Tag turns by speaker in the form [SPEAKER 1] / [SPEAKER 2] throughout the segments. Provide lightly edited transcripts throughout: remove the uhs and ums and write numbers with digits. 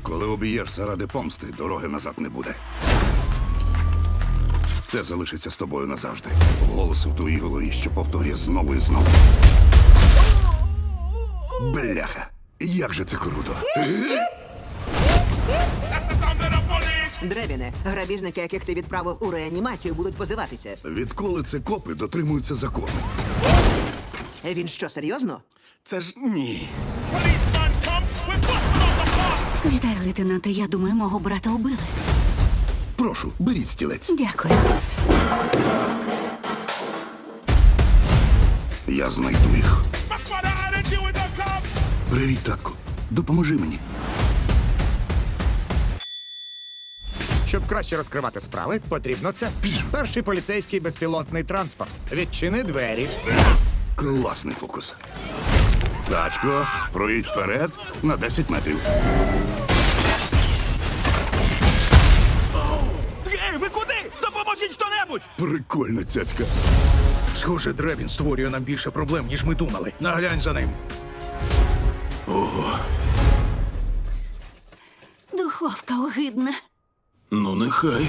[SPEAKER 1] Коли об'єш заради помсти, дороги назад не буде. Це залишиться з тобою назавжди. Голос у твоїй голові, що повторює знову і знову. Бляха! Як же це круто!
[SPEAKER 2] Дребіне, грабіжники, яких ти відправив у реанімацію, будуть позиватися.
[SPEAKER 1] Відколи це копи дотримуються закону?
[SPEAKER 2] Він що, серйозно?
[SPEAKER 1] Це ж ні.
[SPEAKER 3] Вітаю, лейтенанте. Я думаю, мого брата убили.
[SPEAKER 1] Прошу, беріть стілець.
[SPEAKER 3] Дякую.
[SPEAKER 1] Я знайду їх. Привіт, татку. Допоможи мені.
[SPEAKER 4] Щоб краще розкривати справи, потрібно це. Перший поліцейський безпілотний транспорт. Відчини двері.
[SPEAKER 1] Класний фокус. Тачко, проїдь вперед на 10 метрів.
[SPEAKER 5] Гей, ви куди? Допоможіть хто-небудь!
[SPEAKER 1] Прикольна цяцька.
[SPEAKER 5] Схоже, Дребін створює нам більше проблем, ніж ми думали. Наглянь за ним.
[SPEAKER 3] Духовка огидна.
[SPEAKER 5] Ну, нехай.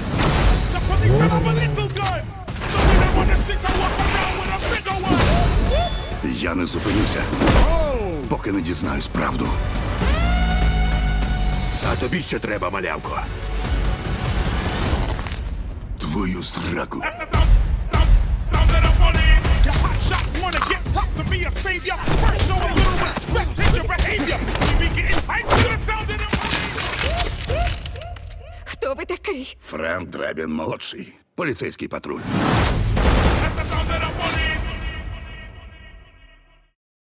[SPEAKER 1] Я не зупинюся, поки не дізнаюсь правду.
[SPEAKER 5] А тобі ще треба, малявко.
[SPEAKER 1] Твою сраку.
[SPEAKER 3] Хто ви такий?
[SPEAKER 1] Френк Дребін молодший. Поліцейський патруль.
[SPEAKER 6] That's the sound of the